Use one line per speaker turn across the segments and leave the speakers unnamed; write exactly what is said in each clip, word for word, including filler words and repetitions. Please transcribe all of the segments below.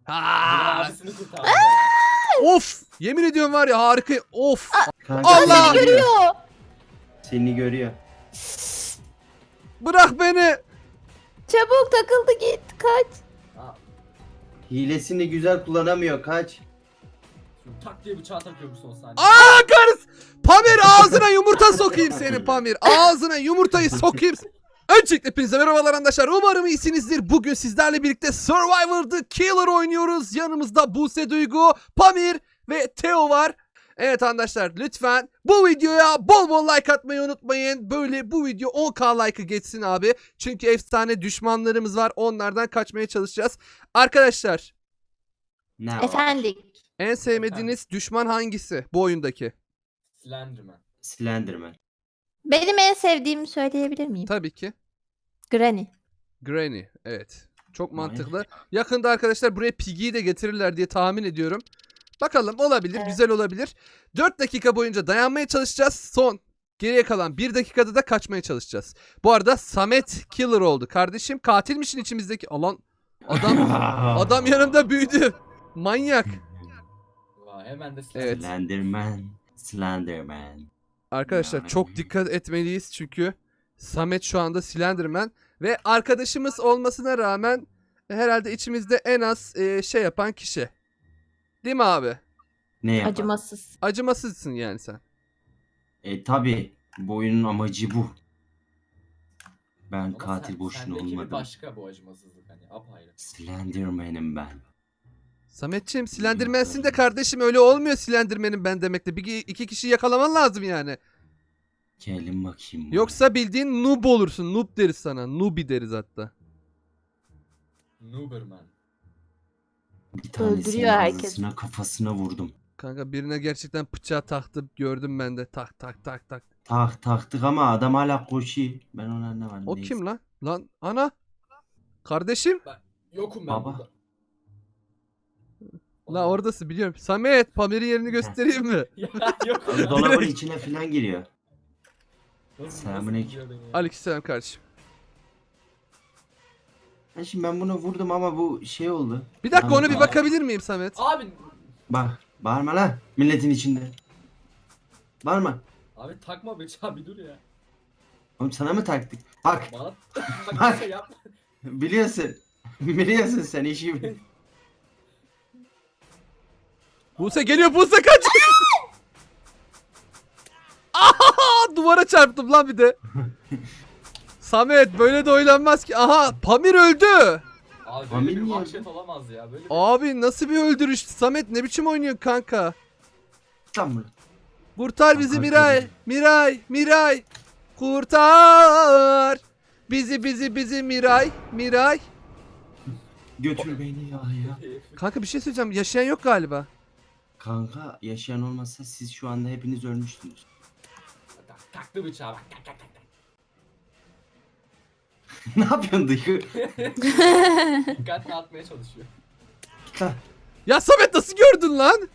Ha!
Abisini kurtardı ya.
Of! Yemin ediyorum var ya harika. Of!
Kanka,
Allah!
Seni görüyor.
Görüyor.
Seni görüyor.
Bırak beni.
Çabuk takıldı git kaç.
Ha,
Hilesini güzel kullanamıyor. Kaç.
şimdi tak diye bıçağı takıyor bu son saniye.
Aa karıs! Pamir ağzına yumurta sokayım seni Pamir. Ağzına yumurtayı sokayım. Öncelikle hepinize merhabalar arkadaşlar. Umarım iyisinizdir. Bugün sizlerle birlikte Survivor The Killer oynuyoruz. Yanımızda Buse Duygu, Pamir ve Teo var. Evet arkadaşlar lütfen bu videoya bol bol like atmayı unutmayın. Böyle bu video on bin like'ı geçsin abi. Çünkü efsane düşmanlarımız var. Onlardan kaçmaya çalışacağız. Arkadaşlar
Ne var?
Efendim.
en sevmediğiniz düşman hangisi bu oyundaki?
Slenderman.
Slenderman.
Benim en sevdiğimi söyleyebilir miyim?
Tabii ki
Granny.
Granny. Evet. Çok
Aynen.
mantıklı. Yakında arkadaşlar buraya Piggy'yi de getirirler diye tahmin ediyorum. Bakalım olabilir.
Evet.
Güzel olabilir. dört dakika boyunca dayanmaya çalışacağız. Son geriye kalan bir dakikada da kaçmaya çalışacağız. Bu arada Samet Killer oldu. Kardeşim katilmişin içimizdeki. Alan adam adam yanımda büyüdü. Manyak.
Vay, hemen de Slenderman.
Evet.
Slenderman. Slenderman.
Arkadaşlar
Yani.
çok dikkat etmeliyiz çünkü Samet şu anda Slenderman ve arkadaşımız olmasına rağmen herhalde içimizde en az e, şey yapan kişi. Değil mi abi?
Ne yapar?
Acımasız.
Acımasızsın yani sen.
E tabi. Bu oyunun amacı bu. Ben
Ama
katil
sen-
boşuna
sendeki bir
olmadım.
başka bu acımasızlık hani apayrı.
Slenderman'im ben.
Sametçiğim Slenderman'sin de kardeşim öyle olmuyor Slenderman'im ben demekle. Bir iki kişi yakalaman lazım yani.
Gelin bakayım. buraya.
Yoksa bildiğin noob olursun. Noob deriz sana. Noobi deriz hatta.
Nuberman.
bir tanesinin
Öldürüyor herkes.
ağzına kafasına vurdum.
Kanka birine gerçekten bıçağı taktı gördüm ben de. Tak tak tak tak.
Tak taktık ama adam hala koşuyor. Ben ona anlamadım.
O
neyse.
kim lan? Lan ana. Kardeşim.
Yokum ben
Baba.
burada.
La oradasın biliyorum. Samet Pamir'in yerini göstereyim mi?
Ya yokum
Abi
ben.
dolabın içine falan giriyor.
Nasıl-
Selamünaleyküm.
nasıl biliyor beni ya?
Aleykümselam kardeşim.
Ha şimdi ben bunu vurdum ama bu şey oldu.
Bir dakika
Lanet
ona bir
olsun.
bakabilir miyim Samet?
Abi.
Bak bağırma lan milletin içinde. Bağırma.
Abi takma bıçağı bir dur ya.
Oğlum sana mı taktık? Bak
Bana bak bir şey yapma.
biliyorsun. Biliyorsun sen işi bil.
Buse geliyor Buse kaç. Aha duvara çarptım lan bir de. Samet böyle de oynanmaz ki. Aha Pamir öldü.
Abi
Familya
böyle bir
mı?
vahşet olamaz ya. Böyle bir...
Abi nasıl bir öldürüş? Samet ne biçim oynuyor kanka?
Lan bunu.
Kurtar bizi
Kanka,
Miray.
öldürdüm.
Miray. Miray. Kurtar. Bizi bizi bizi Miray. Miray.
Götür beni ya ya.
Kanka bir şey söyleyeceğim. Yaşayan yok galiba.
Kanka yaşayan olmasa siz şu anda hepiniz ölmüştünüz.
Tak, taktı bıçağı bak. Tak tak tak tak.
Ne yapıyorsun Duygu?
Dikkat dağıtmaya çalışıyor.
Git lan.
Ya Samet nasıl gördün lan?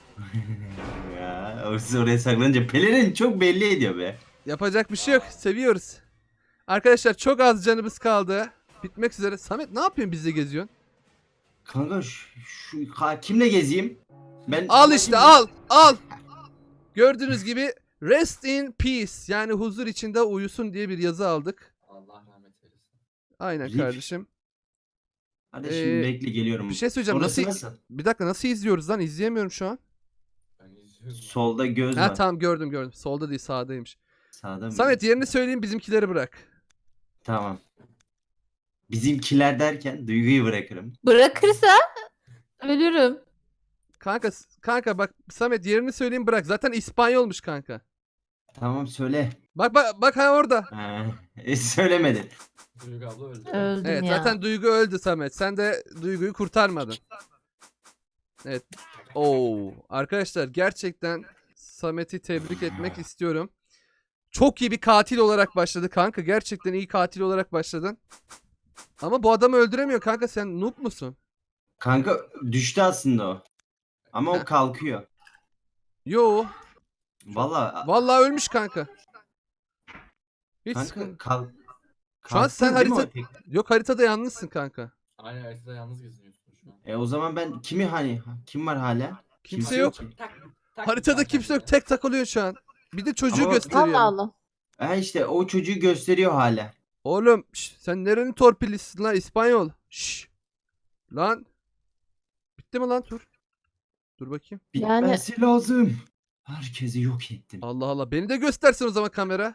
Ya siz oraya saklanınca pelerin çok belli ediyor be.
Yapacak bir şey yok. Seviyoruz. Arkadaşlar çok az canımız kaldı. Bitmek üzere. Samet ne yapıyorsun bizle geziyorsun?
Kanka şu, şu ka- kimle gezeyim? Ben
Al işte al al. Gördüğünüz gibi rest in peace yani huzur içinde uyusun diye bir yazı aldık.
Allah rahmet eylesin.
Aynen
Rip.
kardeşim.
Hadi şimdi
Ee,
bekle geliyorum.
Bir şey söyleyeceğim.
Orası
Nasıl,
nasıl?
Bir dakika nasıl izliyoruz lan? İzleyemiyorum şu an.
Ben izliyorum.
Solda göz
Ha
var.
tamam gördüm gördüm. Solda değil sağdaymış.
Sağda mı?
Samet yerini söyleyeyim bizimkileri bırak.
Tamam. Bizimkiler derken Duygu'yu bırakırım.
Bırakırsa ölürüm.
Kanka kanka bak Samet yerini söyleyeyim bırak. Zaten İspanyolmuş kanka.
Tamam söyle.
Bak bak bak ha orada.
Ha, e, söylemedin.
Duygu abla öldü.
Öldüm
Evet
ya.
zaten Duygu öldü Samet. Sen de Duygu'yu kurtarmadın. Evet. Oo arkadaşlar gerçekten Samet'i tebrik etmek istiyorum. Çok iyi bir katil olarak başladı kanka. Gerçekten iyi katil olarak başladın. Ama bu adamı öldüremiyor kanka. Sen noob musun?
Kanka düştü aslında o. Ama
Heh.
o kalkıyor.
Yo.
Valla
Vallahi ölmüş kanka. Hiç
kanka
sıkıntı.
kalk.
Şu an sen
Kalktın değil mi
harita-
o tek-
Yok haritada yalnızsın kanka.
Aynen haritada yalnız geziniyorsun. şu an.
E o zaman ben kimi hani kim var hala?
Kimse yok.
ki.
Tak, tak
Haritada
tak
kimse yok.
kendine.
Tek takılıyor şu an. Bir de çocuğu
Ama-
gösteriyor.
Allah Allah.
Ha işte o çocuğu gösteriyor hala.
Oğlum şş, sen nerenin torpilisin lan İspanyol? Şş. Lan. Bitti mi lan tur? Dur bakayım.
Yani-
Bitmesi lazım. Herkesi yok ettim.
Allah Allah. Beni de göstersin o zaman kamera.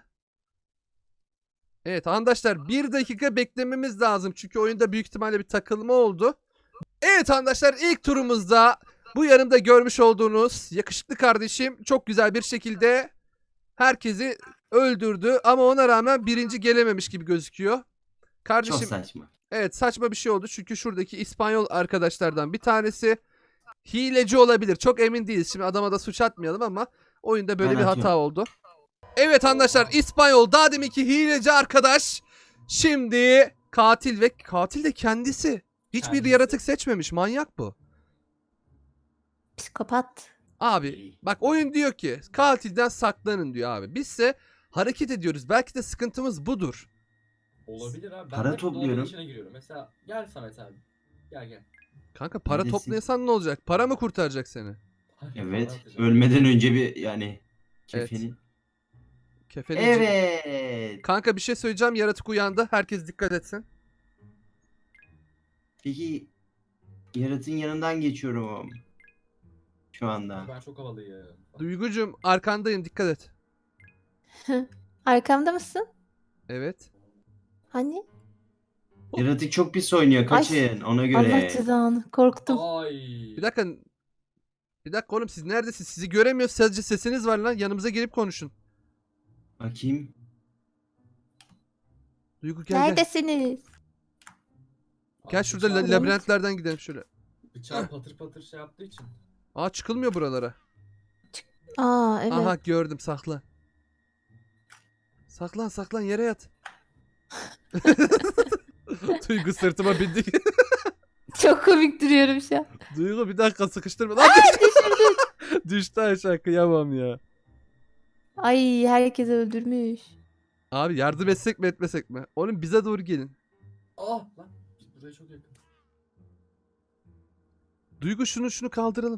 Evet arkadaşlar bir dakika beklememiz lazım. Çünkü oyunda büyük ihtimalle bir takılma oldu. Evet arkadaşlar ilk turumuzda bu yanımda görmüş olduğunuz yakışıklı kardeşim çok güzel bir şekilde herkesi öldürdü. Ama ona rağmen birinci gelememiş gibi gözüküyor.
Çok
Kardeşim
saçma.
evet saçma bir şey oldu. Çünkü şuradaki İspanyol arkadaşlardan bir tanesi hileci olabilir. Çok emin değiliz. Şimdi adama da suç atmayalım ama oyunda böyle
Ben
bir hata
atıyorum.
oldu. Evet arkadaşlar İspanyol daha deminki hileci arkadaş şimdi katil ve katil de kendisi. Hiçbir
Kendisi.
yaratık seçmemiş. Manyak bu.
Psikopat.
Abi bak oyun diyor ki katilden saklanın diyor abi. Bizse hareket ediyoruz. Belki de sıkıntımız budur.
Olabilir abi. Ben
Para
de dolabın
topluyorum.
içine giriyorum. Mesela gel Samet abi. Gel gel.
Kanka para
Neredesin?
toplayasan ne olacak? Para mı kurtaracak seni?
Evet.
Para atacağım.
Ölmeden önce bir yani
Evet.
kefeni.
Kefenici.
Evet.
Kanka bir şey söyleyeceğim. Yaratık uyandı. Herkes dikkat etsin.
Peki yaratığın yanından geçiyorum. Şu anda.
Ben çok havalıyım.
Duygucum arkandayım. Dikkat et.
Arkamda mısın?
Evet.
Hani?
Yaratık çok pis oynuyor. Kaçın ona
Allah
göre.
cezanı. Korktum.
Ay.
Bir dakika. Bir dakika oğlum siz neredesiniz? Sizi göremiyoruz. Sadece sesiniz var lan. Yanımıza gelip konuşun.
Bakayım.
Duygu gel gel.
Neredesiniz?
Gel
Abi
şurada la-
bıçağı-
labirentlerden gidelim şöyle.
Bıçağı patır patır şey yaptığı için.
Aa çıkılmıyor buralara.
Aa evet.
Aha gördüm saklan. Saklan saklan yere yat. Duygu sırtıma bindi.
Çok komik duruyorum şu an.
Duygu bir dakika sıkıştırma. Lan düşürdün. Düştü aşağı kıyamam ya.
Ay herkes öldürmüş.
Abi yardım etsek mi etmesek mi? Oğlum bize doğru gelin.
Ah lan. Buraya çok yakın.
Duygu şunu şunu kaldıralım.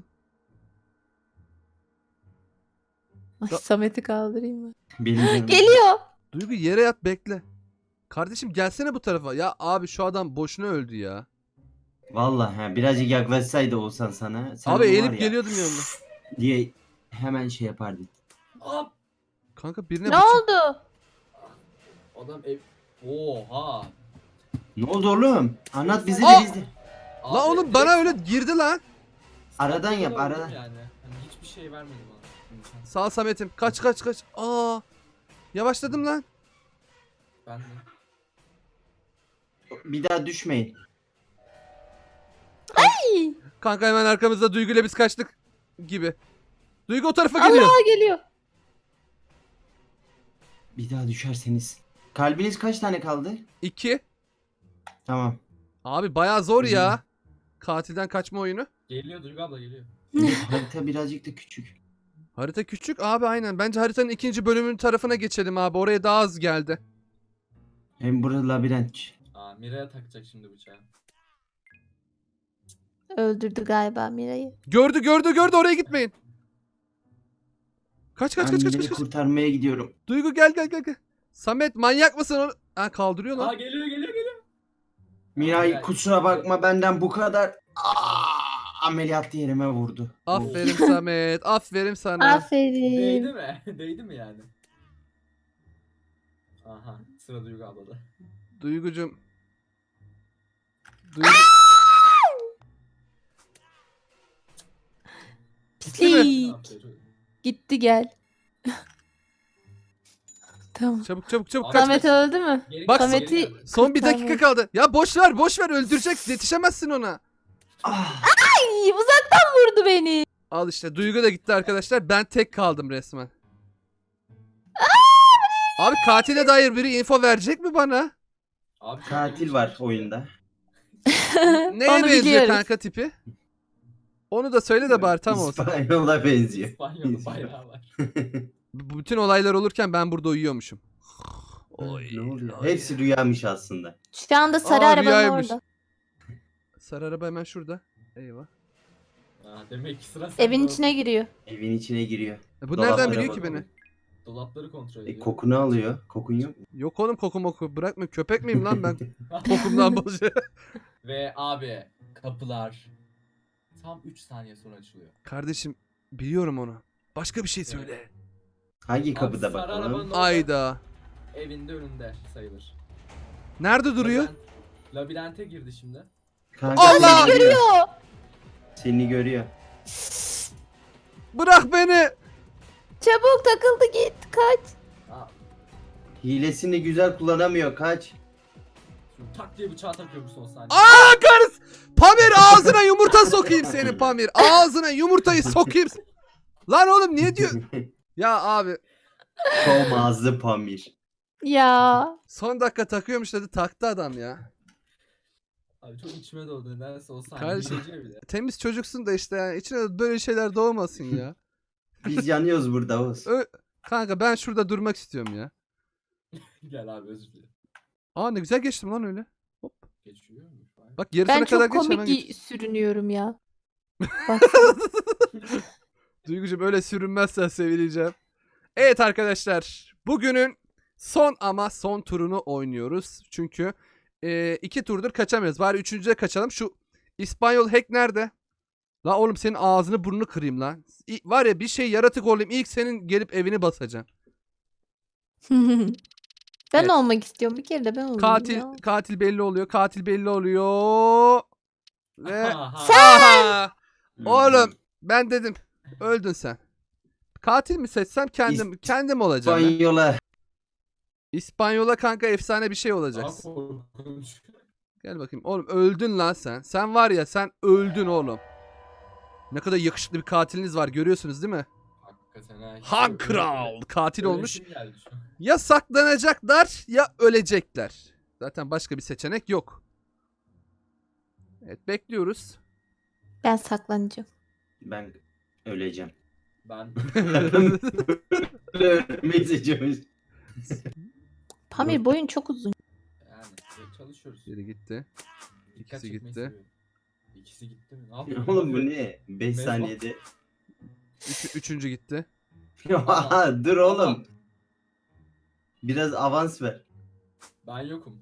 Ay,
Da-
Samet'i kaldırayım mı?
Benim canım.
Geliyor.
Duygu yere yat bekle. Kardeşim gelsene bu tarafa. Ya abi şu adam boşuna öldü ya.
Vallahi ha, birazcık yaklaşsaydı olsan sana. Sen
Abi
onu var
eğilip
ya
geliyordum yanına.
diye hemen şey yapardın.
Ah.
Kanka birine
Ne
bıçak-
oldu?
Adam ev... Oha.
Ne oldu oğlum? Anlat bizi de
Aa!
biz de.
Abi,
La oğlum
direkt
bana öyle girdi lan.
Aradan yap
öldüm
aradan.
Yani. Hani hiçbir şey vermedi bana. İmkan.
Sağ ol Samet'im. Kaç kaç kaç. Aa. Yavaşladım lan.
Ben de.
Bir daha düşmeyin.
Kanka hemen arkamızda Duygu ile biz kaçtık gibi. Duygu o tarafa geliyor.
Allah geliyor.
Bir daha düşerseniz. Kalbiniz kaç tane kaldı?
İki.
Tamam.
Abi bayağı zor ya. Katilden kaçma oyunu.
Geliyor Duygu abla geliyor.
Harita birazcık da küçük.
Harita küçük abi aynen. Bence haritanın ikinci bölümünün tarafına geçelim abi. Oraya daha az geldi.
Hem burada labirent.
Aa Mira'ya takacak şimdi bıçağı.
Öldürdü galiba Mira'yı.
Gördü gördü gördü oraya gitmeyin. Kaç kaç
Ben
kaç kaç
Mira'yı
kaç. kaç.
kurtarmaya gidiyorum.
Duygu gel gel gel gel. Samet manyak mısın onu? Ha kaldırıyor
Aa
lan.
geliyor geliyor geliyor.
Miray
Miray,
kusura bakma benden bu kadar. Aa, ameliyatlı yerime vurdu.
Aferin Samet. Aferin sana.
Değdi
Aferin.
mi? Değdi mi yani? Aha sıra Duygu ablada.
Duygucum. Duygu...
Pislik.
Aferin.
Gitti gel. Tamam.
Çabuk çabuk çabuk kaç.
Samet öldü mü?
Geri
Bak-
gel, geri
Samet'i-
gel.
Son bir dakika
Kurtarmayı-
kaldı. Ya boş ver boş ver öldürecek. Yetişemezsin ona.
Ah,
Ay, uzaktan vurdu beni.
Al işte Duygu da gitti arkadaşlar. Ben tek kaldım resmen. Abi katile dair biri info verecek mi bana?
Abi, çok
katil
ilginç.
var oyunda.
Neye
Onu
benziyor
biliyoruz.
kanka tipi? Onu da söyle de bari tam olsun.
İspanyol'a benziyor.
İspanyol bayrağı var.
B- Bütün olaylar olurken ben burada uyuyormuşum. Oy,
ne oluyor?
oy.
Hepsi rüyamış aslında.
Şu anda sarı
Aa,
arabanın
rüyaymış.
orada.
Sarı araba hemen şurada. Eyvah.
Aa, demek ki sıra sende
Evin
oldu.
içine giriyor.
Evin içine giriyor.
E bu
Dolaplara
nereden biliyor ki
bakalım.
beni?
Dolapları kontrol
E,
ediyor.
kokunu alıyor. Kokun yok mu?
Yok oğlum koku moku. Bırakma köpek miyim lan ben? Kokumdan bozuyor.
Ve abi kapılar tam üç saniye sonra açılıyor.
Kardeşim biliyorum onu. Başka bir şey söyle.
Hangi
Abi,
kapıda
sarı arabanın
bakalım?
orada,
Ayda.
evinde önünde sayılır.
Nerede duruyor?
Labirent- labirente girdi şimdi.
Kanka,
Allah!
Seni görüyor.
Görüyor.
Seni görüyor.
Bırak beni.
Çabuk takıldı git kaç.
Aa,
Hilesini güzel kullanamıyor. Kaç.
şimdi tak diye bıçağı takıyor bu son saniye.
Aa karıs. Pamir ağzına yumurta sokayım seni Pamir. Ağzına yumurtayı sokayım. Lan oğlum niye diyor? Ya abi
Tom ağzı Pamir.
Ya.
son dakika takıyormuş dedi taktı adam ya.
Abi çok içime doğdu nedense o saniye.
Kardeşim.
Hileciye bile.
Temiz çocuksun da işte yani içine de böyle şeyler doğmasın ya.
Biz yanıyoruz burada Oğuz.
Ö- Kanka ben şurada durmak istiyorum ya.
Gel abi özür dilerim.
Aa ne güzel geçtim lan öyle. Hop.
Geçiyor mu? Vay.
Bak yarısına
Ben
kadar
çok
geç hemen
komik
geç.
sürünüyorum ya. Bak.
Duygucuğum öyle sürünmezsen sevineceğim. Evet arkadaşlar bugünün son ama son turunu oynuyoruz. Çünkü e, iki turdur kaçamıyoruz. Bari üçüncüye kaçalım. Şu İspanyol hack nerede? La oğlum senin ağzını burnunu kırayım lan. İ- var ya bir şey yaratık olayım ilk senin gelip evini basacağım.
ben
Evet.
olmak istiyorum. Bir kere de ben olayım
Katil
ya.
katil belli oluyor. Katil belli oluyor. Ve
Aha.
aha!
Hmm.
Oğlum ben dedim öldün sen. Katil mi seçsem kendim kendim olacağım. ben.
İspanyola.
İspanyola kanka efsane bir şey
Daha
olacaksın.
korkunç.
Gel bakayım. Oğlum öldün lan sen. Sen var ya sen öldün oğlum. Ne kadar yakışıklı bir katiliniz var görüyorsunuz değil mi?
Hakikaten ha. hiç
Han
öyle-
Kral katil
öyle
olmuş.
şey geldi şu an.
Ya saklanacaklar ya ölecekler. Zaten başka bir seçenek yok. Evet bekliyoruz.
Ben saklanacağım.
Ben öleceğim.
Ben
Ölmeyi seçiyormuş.
Pamir boyun çok uzun.
yani çalışıyoruz.
Biri gitti.
Dikkat
İkisi
çekmeyi
gitti.
seviyorum. İkisi gitti mi? Ne yapıyor?
Oğlum bu ne? beş
Mezbah.
saniyede.
Üç, üçüncü gitti.
Dur oğlum. Biraz avans ver.
Ben yokum.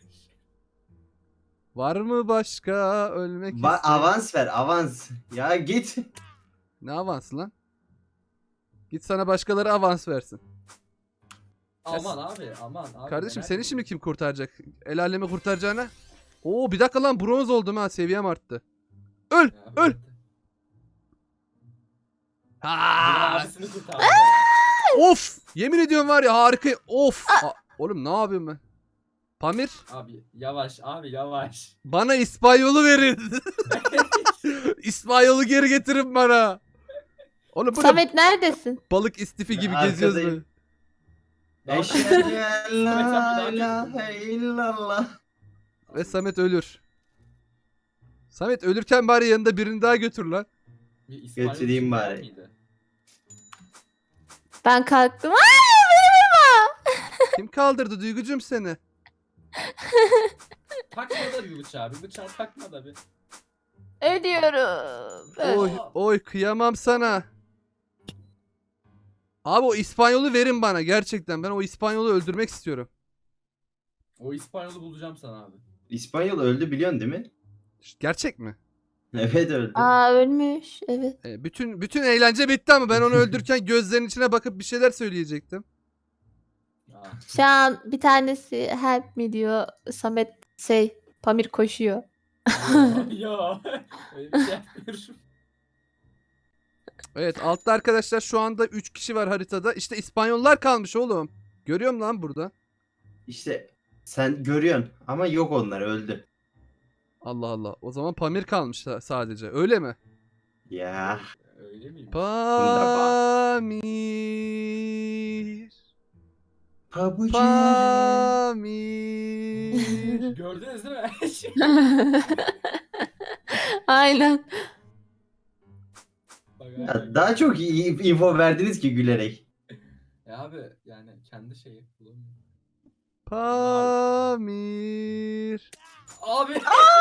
Var mı başka ölmek
Ba-
isteyen?
avans ver avans. Ya git.
Ne avansı lan? Git sana başkaları avans versin.
Aman abi aman abi.
Kardeşim
merak
seni
etme.
şimdi kim kurtaracak? El alemi kurtaracağına. Oo bir dakika lan bronz oldum ha seviyem arttı. Öl
Ya,
öl.
evet. Biri
Ha!
abisini kurtardı. ya.
Of yemin ediyorum var ya harika. Of. A- Oğlum ne yapıyorum ben? Pamir
Abi yavaş abi yavaş.
bana İspanyolu verin. İspanyolu geri getirin bana. Oğlum bu ne
Samet neredesin?
balık istifi gibi
Ben
geziyoruz
arkadayım.
böyle.
Daha-
Eşhedü en la
Samet abi,
ilahe illallah.
Ve Samet ölür. Samet ölürken bari yanında birini daha götür lan.
Bir İspanyol
Götüreyim
kim
bari.
var mıydı?
Ben kalktım. Ay beni vurma.
Kim kaldırdı Duygucum seni?
Takma da bir bıçağı. Bir bıçağı takma da bir.
Ölüyorum. Öl.
Oy oy kıyamam sana. Abi o İspanyolu verin bana gerçekten. Ben o İspanyolu öldürmek istiyorum.
O İspanyolu bulacağım sana abi.
İspanyol öldü biliyorsun değil mi?
Gerçek mi?
Evet öldü.
Aa ölmüş. Evet.
E, bütün bütün eğlence bitti ama ben onu öldürürken gözlerinin içine bakıp bir şeyler söyleyecektim.
Aa.
Şu an bir tanesi help me diyor. Samet şey Pamir koşuyor.
Yo, yo. Öyle bir şey yapmıyorum.
Evet altta arkadaşlar şu anda üç kişi var haritada. İşte İspanyollar kalmış oğlum. Görüyorum lan burada.
İşte sen görüyorsun ama yok onlar öldü.
Allah Allah. O zaman Pamir kalmış sa- sadece. Öyle mi?
Ya.
Öyle miyim?
Pamir.
Pabucu.
Pamir.
Gördünüz değil mi?
Aynen.
Bak,
Ya
abi.
daha çok iyi info verdiniz ki gülerek.
Ya abi yani kendi şeyi bulamıyorum.
Pamir.
Abi.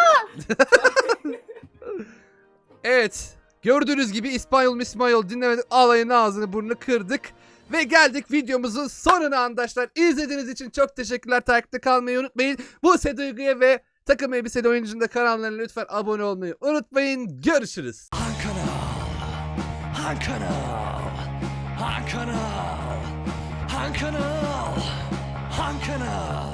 Evet. Gördüğünüz gibi İspanyol İspanyol dinlemedik. Alayın ağzını burnunu kırdık. Ve geldik videomuzun sonuna arkadaşlar. İzlediğiniz için çok teşekkürler. Takipte kalmayı unutmayın. Buse Duygu'ya ve Takım Elbiseli Oyuncu'nun da kanallarına lütfen abone olmayı unutmayın. Görüşürüz.
Han kanal, han kanal, han kanal, han kanal, han kanal.